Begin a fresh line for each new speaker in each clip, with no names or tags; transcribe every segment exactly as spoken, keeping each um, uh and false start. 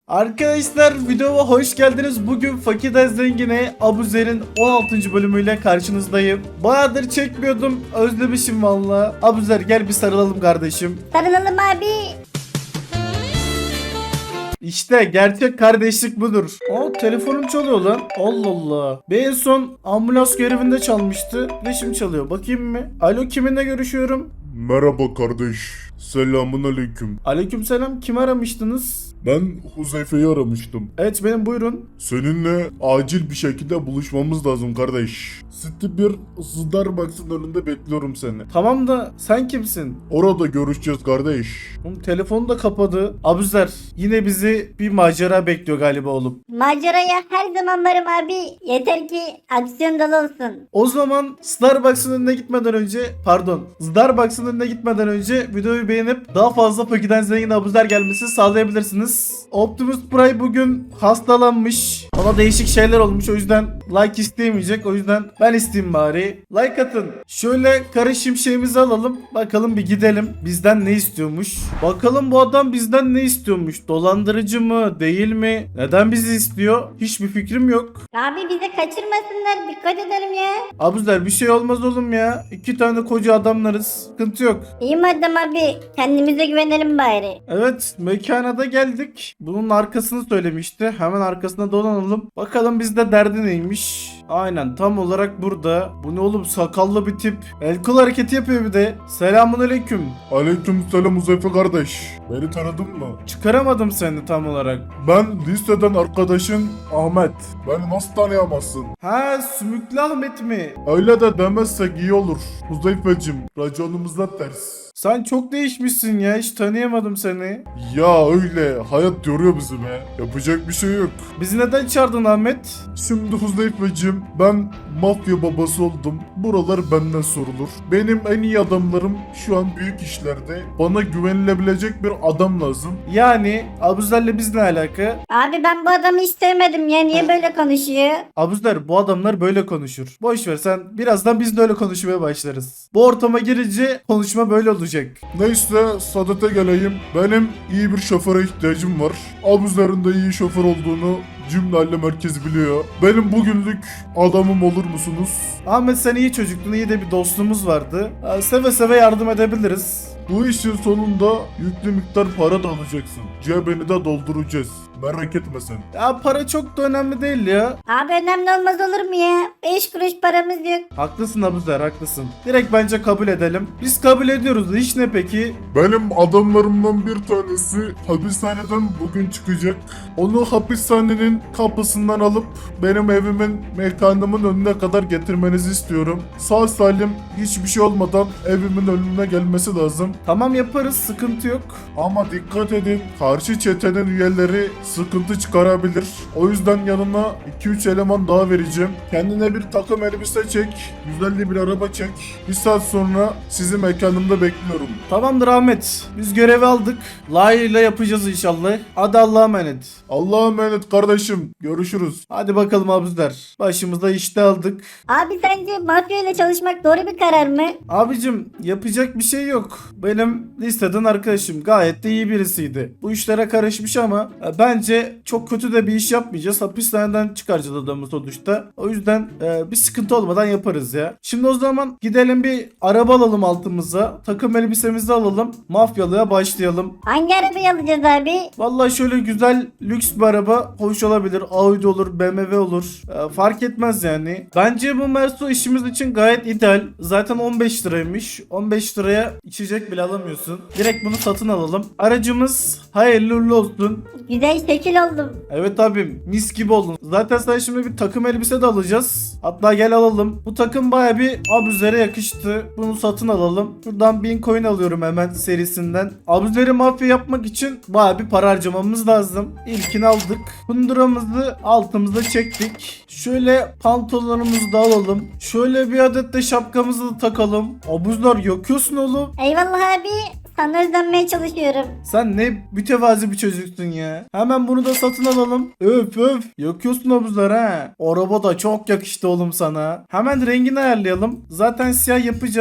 Arkadaşlar videoma hoş geldiniz. Bugün Fakirden Zengin'e Abuzer'in on altıncı bölümüyle karşınızdayım. Bayağıdır çekmiyordum. Özlemişim valla. Abuzer gel bir sarılalım kardeşim.
Sarılalım abi.
İşte gerçek kardeşlik budur. Aa telefonum çalıyor lan. Allah Allah. Bir en son ambulans görevinde çalmıştı. Ve şimdi çalıyor. Bakayım mı? Alo kiminle görüşüyorum?
Merhaba kardeş. Selamun aleyküm.
Aleykümselam. Kim aramıştınız?
Ben Huzeyfe'yi aramıştım.
Evet benim, buyurun.
Seninle acil bir şekilde buluşmamız lazım kardeş. City bir Starbucks'ın önünde bekliyorum seni.
Tamam da sen kimsin?
Orada görüşeceğiz kardeş.
Oğlum telefonu da kapadı. Abuzer yine bizi bir macera bekliyor galiba oğlum.
Maceraya her zaman varım abi. Yeter ki aksiyon dolu olsun.
O zaman Starbucks'ın önüne gitmeden önce pardon Starbucks'ın önüne gitmeden önce videoyu beğenip daha fazla Fakirden Zengin Abuzer gelmesini sağlayabilirsiniz. Optimus Prime bugün hastalanmış. Ona değişik şeyler olmuş, o yüzden like isteyemeyecek. O yüzden ben isteyeyim bari. Like atın. Şöyle kara şimşeğimizi alalım. Bakalım bir gidelim. Bizden ne istiyormuş? Bakalım bu adam bizden ne istiyormuş? Dolandırıcı mı? Değil mi? Neden bizi istiyor? Hiçbir fikrim yok.
Abi bizi kaçırmasınlar. Dikkat edelim ya.
Abuzer bir şey olmaz oğlum ya. İki tane koca adamlarız. Sıkıntı yok.
İyi madem abi. Kendimize güvenelim bari.
Evet, mekana da geldik. Bunun arkasını söylemişti. Hemen arkasına dolanalım. Bakalım bizde derdi neymiş. Aynen tam olarak burada. Bu ne oğlum, sakallı bir tip. El kol hareketi yapıyor bir de. Selamun aleyküm.
Aleyküm selam Huzeyfe kardeş. Beni tanıdın mı?
Çıkaramadım seni tam olarak.
Ben liseden arkadaşın Ahmet. Beni nasıl tanıyamazsın?
Ha, Sümüklü Ahmet mi?
Öyle de demezsek iyi olur. Huzeyfe'cim raconumuzda ters.
Sen çok değişmişsin ya, hiç tanıyamadım seni.
Ya öyle hayat yoruyor bizi be. Yapacak bir şey yok.
Bizi neden çağırdın Ahmet?
Şimdi Huzeyfe'cim ben mafya babası oldum. Buralar benden sorulur. Benim en iyi adamlarım şu an büyük işlerde. Bana güvenilebilecek bir adam lazım.
Yani Abuzer'le biz ne alaka?
Abi ben bu adamı hiç sevmedim ya. Niye böyle konuşuyor?
Abuzer bu adamlar böyle konuşur. Boş ver, sen birazdan biz de öyle konuşmaya başlarız. Bu ortama girince konuşma böyle olacak.
Neyse sadete geleyim. Benim iyi bir şoföre ihtiyacım var. Abuzer'in de iyi şoför olduğunu cümle alem herkes biliyor. Benim bugünlük adamım olur musunuz?
Ahmet sen iyi çocuktun, iyi de bir dostluğumuz vardı. Ee, Seve seve yardım edebiliriz.
Bu işin sonunda yüklü miktar para da alacaksın. Cebini de dolduracağız. Merak etme sen.
Ya para çok da önemli değil ya.
Abi önemli olmaz olur mu ya? Beş kuruş paramız yok.
Haklısın Abuzer, haklısın. Direkt bence kabul edelim. Biz kabul ediyoruz. İş ne peki?
Benim adamlarımdan bir tanesi hapishaneden bugün çıkacak. Onu hapishanenin kapısından alıp benim evimin, mekanımın önüne kadar getirmenizi istiyorum. Sağ salim hiçbir şey olmadan evimin önüne gelmesi lazım.
Tamam yaparız, sıkıntı yok.
Ama dikkat edin, karşı çetenin üyeleri sıkıntı çıkarabilir. O yüzden yanına iki üç eleman daha vereceğim. Kendine bir takım elbise çek, güzel de bir araba çek. Bir saat sonra sizi mekanımda bekliyorum.
Tamamdır Ahmet. Biz görevi aldık. Layığıyla yapacağız inşallah. Hadi Allah'a emanet.
Allah'a emanet kardeşim. Görüşürüz.
Hadi bakalım Abuzer. Başımızda işte aldık.
Abi sence mafya ile çalışmak doğru bir karar mı?
Abicim yapacak bir şey yok. Benim listeden arkadaşım gayet de iyi birisiydi. Bu işlere karışmış ama e, bence çok kötü de bir iş yapmayacağız. Hapishaneden çıkaracağız adamı sonuçta. O yüzden e, bir sıkıntı olmadan yaparız ya. Şimdi o zaman gidelim bir araba alalım altımıza. Takım elbisemizi alalım. Mafyalığa başlayalım.
Hangi arabayı alacağız abi?
Vallahi şöyle güzel lüks bir araba hoş olabilir. Audi olur, B M W olur. E, fark etmez yani. Bence bu Merso işimiz için gayet ideal. Zaten on beş liraymış. on beş liraya içecek bile alamıyorsun. Direkt bunu satın alalım. Aracımız hayırlı uğurlu olsun.
Güzel şekil oldum.
Evet abim, mis gibi oldun. Zaten sana şimdi bir takım elbise de alacağız. Hatta gel alalım. Bu takım baya bir Abuzer'e yakıştı. Bunu satın alalım. Şuradan bin coin alıyorum hemen serisinden. Abuzer'i mafya yapmak için baya bir para harcamamız lazım. İlkini aldık. Kunduramızı altımıza çektik. Şöyle pantolonumuzu da alalım. Şöyle bir adet de şapkamızı da takalım. Abuzer yakıyorsun oğlum.
Eyvallah abi. Sana özenmeye çalışıyorum.
Sen ne mütevazi bir çocuksun ya. Hemen bunu da satın alalım. Öf öf. Yakıyorsun Abuzer ha. Araba da çok yakıştı oğlum sana. Hemen rengini ayarlayalım. Zaten siyah yapacağız.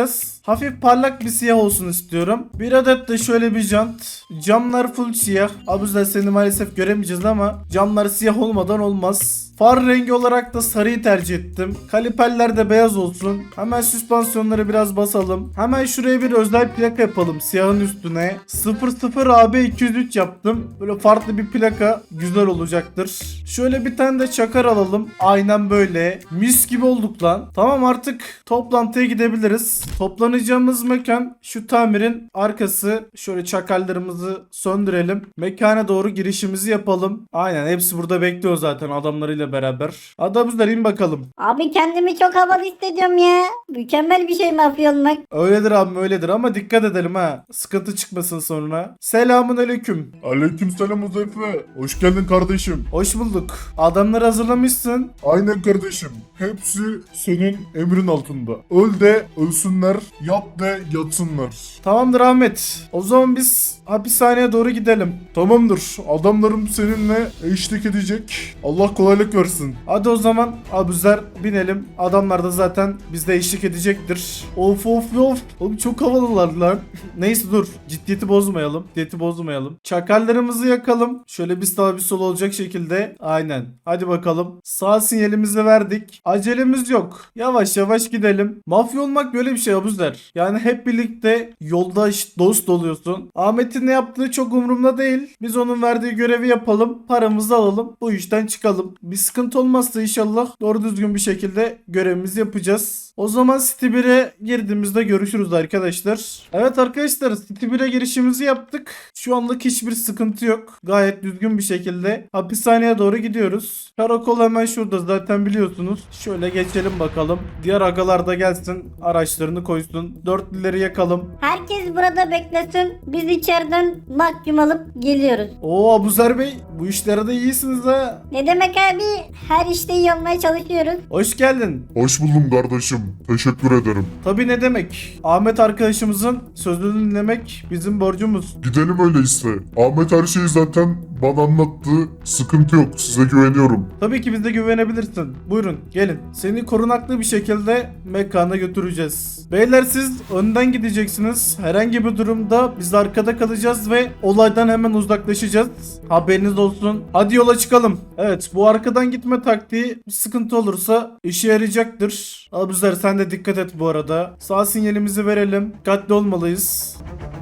hafif parlak bir siyah olsun istiyorum. Bir adet de şöyle bir jant. Camlar full siyah. Abuzer seni maalesef göremeyeceğiz ama camlar siyah olmadan olmaz. Far rengi olarak da sarıyı tercih ettim. Kaliperler de beyaz olsun. Hemen süspansiyonları biraz basalım. Hemen şuraya bir özel plaka yapalım siyahın üstüne. sıfır sıfır A B iki yüz üç yaptım. Böyle farklı bir plaka güzel olacaktır. Şöyle bir tane de çakar alalım. Aynen böyle. Mis gibi olduk lan. Tamam, artık toplantıya gidebiliriz. Toplanacağımız mekan şu tamirin arkası. Şöyle çakallarımızı söndürelim. Mekana doğru girişimizi yapalım. Aynen, hepsi burada bekliyor zaten adamlarıyla beraber. Adamızlar in bakalım.
Abi kendimi çok havalı hissediyorum ya. Mükemmel bir şey mafya olmak.
Öyledir abi, öyledir ama dikkat edelim ha. Sıkıntı çıkmasın sonra. Selamun aleyküm.
Aleykümselam Uzayfe. Hoş geldin kardeşim.
Hoş bulduk. Adamları hazırlamışsın.
Aynen kardeşim. Hepsi senin emrin altında. Öl de ölsünler, yap de yatsınlar.
Tamamdır Ahmet. O zaman biz hapishaneye doğru gidelim.
Tamamdır. Adamlarım seninle eşlik edecek. Allah kolaylık versin.
Hadi o zaman Abuzer binelim. Adamlar da zaten bizde eşlik edecektir. Of of of. Oğlum çok havalılar lan. Neyse dur. Ciddiyeti bozmayalım. Ciddiyeti bozmayalım. Çakallarımızı yakalım. Şöyle bir sağ bir sol olacak şekilde. Aynen. Hadi bakalım. Sağ sinyalimizi verdik. Acelemiz yok. Yavaş yavaş gidelim. Mafya olmak böyle bir şey Abuzer. Yani hep birlikte yoldaş, dost oluyorsun. Ahmet'in ne yaptığı çok umurumda değil. Biz onun verdiği görevi yapalım. Paramızı alalım. Bu işten çıkalım. Bir sıkıntı olmazsa inşallah doğru düzgün bir şekilde görevimizi yapacağız. O zaman City bire girdiğimizde görüşürüz arkadaşlar. Evet arkadaşlar, City bire girişimizi yaptık. Şu anlık hiçbir sıkıntı yok. Gayet düzgün bir şekilde hapishaneye doğru gidiyoruz. Karakol hemen şurada zaten biliyorsunuz. Şöyle geçelim bakalım. Diğer agalar da gelsin. Araçlarını koysun. Dörtlüleri yakalım.
Herkes burada beklesin. Biz içeriden mahkum alıp geliyoruz.
Oo Abuzer Bey, bu işlere de iyisiniz ha.
Ne demek abi? Her işte iyi olmaya çalışıyoruz.
Hoş geldin.
Hoş buldum kardeşim. Teşekkür ederim.
Tabii, ne demek. Ahmet arkadaşımızın sözünü dinlemek bizim borcumuz.
Gidelim öyleyse. Ahmet her şeyi zaten bana anlattı. Sıkıntı yok. Size güveniyorum.
Tabii ki bize güvenebilirsin. Buyurun gelin. Seni korunaklı bir şekilde mekana götüreceğiz. Beyler siz önden gideceksiniz. Herhangi bir durumda biz arkada kalacağız ve olaydan hemen uzaklaşacağız. Haberiniz olsun. Hadi yola çıkalım. Evet, bu arkadan gitme taktiği bir sıkıntı olursa işe yarayacaktır. Abuzer sen de dikkat et bu arada. Sağ sinyalimizi verelim. Dikkatli olmalıyız.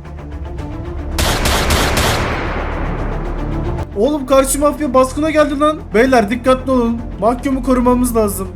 Oğlum karşı mafya baskına geldi lan. Beyler dikkatli olun. Mahkumu korumamız lazım.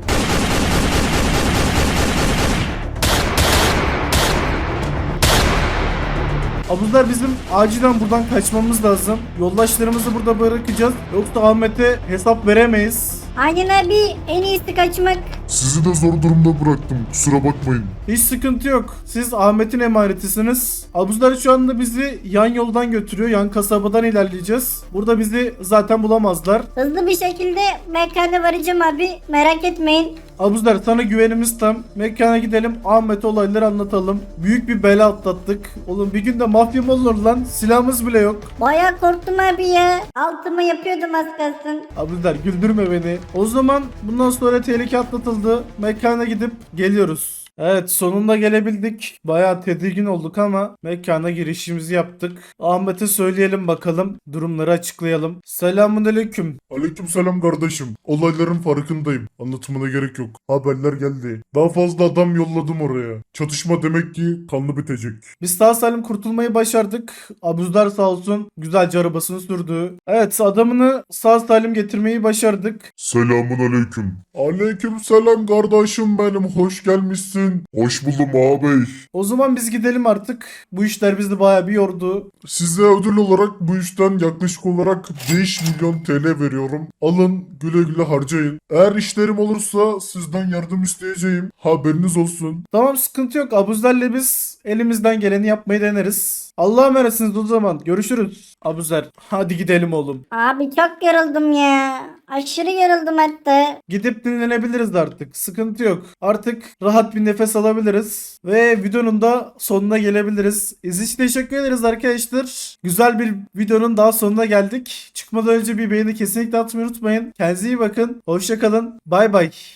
Abuzer bizim acilen buradan kaçmamız lazım. Yoldaşlarımızı burada bırakacağız. Yoksa Ahmet'e hesap veremeyiz.
Aynen abi, en iyisi kaçmak.
Sizi de zor durumda bıraktım. Kusura bakmayın.
Hiç sıkıntı yok. Siz Ahmet'in emanetisiniz. Abuzer şu anda bizi yan yoldan götürüyor. Yan kasabadan ilerleyeceğiz. Burada bizi zaten bulamazlar.
Hızlı bir şekilde mekana varacağım abi. Merak etmeyin.
Abuzer sana güvenimiz tam. Mekana gidelim. Ahmet'e olayları anlatalım. Büyük bir bela atlattık. Oğlum bir günde mafya mı olur lan? Silahımız bile yok.
Bayağı korktum abi ya. Altımı yapıyordum az kalsın.
Abuzer güldürme beni. O zaman bundan sonra tehlike atlatıldı. Mekana gidip geliyoruz. Evet, sonunda gelebildik. Bayağı tedirgin olduk ama mekana girişimizi yaptık. Ahmet'e söyleyelim bakalım. Durumları açıklayalım. Selamünaleyküm.
Aleykümselam kardeşim. Olayların farkındayım. Anlatımına gerek yok. Haberler geldi. Daha fazla adam yolladım oraya. Çatışma demek ki kanlı bitecek.
Biz sağ salim kurtulmayı başardık. Abuzer sağ olsun güzelce arabasını sürdü. Evet, adamını sağ salim getirmeyi başardık.
Selamun aleyküm. Aleykümselam kardeşim benim. Hoş gelmişsin. Hoş buldum ağabey.
O zaman biz gidelim artık. Bu işler bizi bayağı bir yordu.
Size ödül olarak bu işten yaklaşık olarak beş milyon T L veriyorum. Alın güle güle harcayın. Eğer işlerim olursa sizden yardım isteyeceğim. Haberiniz olsun.
Tamam, sıkıntı yok. Abuzer'le biz elimizden geleni yapmayı deneriz. Allah'a emanetsiniz o zaman. Görüşürüz. Abuzer hadi gidelim oğlum.
Abi çok yoruldum ya. Aşırı yoruldum hatta.
Gidip dinlenebiliriz artık. Sıkıntı yok. Artık rahat bir nefes alabiliriz. Ve videonun da sonuna gelebiliriz. İzlediğiniz için teşekkür ederiz arkadaşlar. Güzel bir videonun daha sonuna geldik. Çıkmadan önce bir beğeni kesinlikle atmayı unutmayın. Kendinize iyi bakın. Hoşça kalın. Bay bay.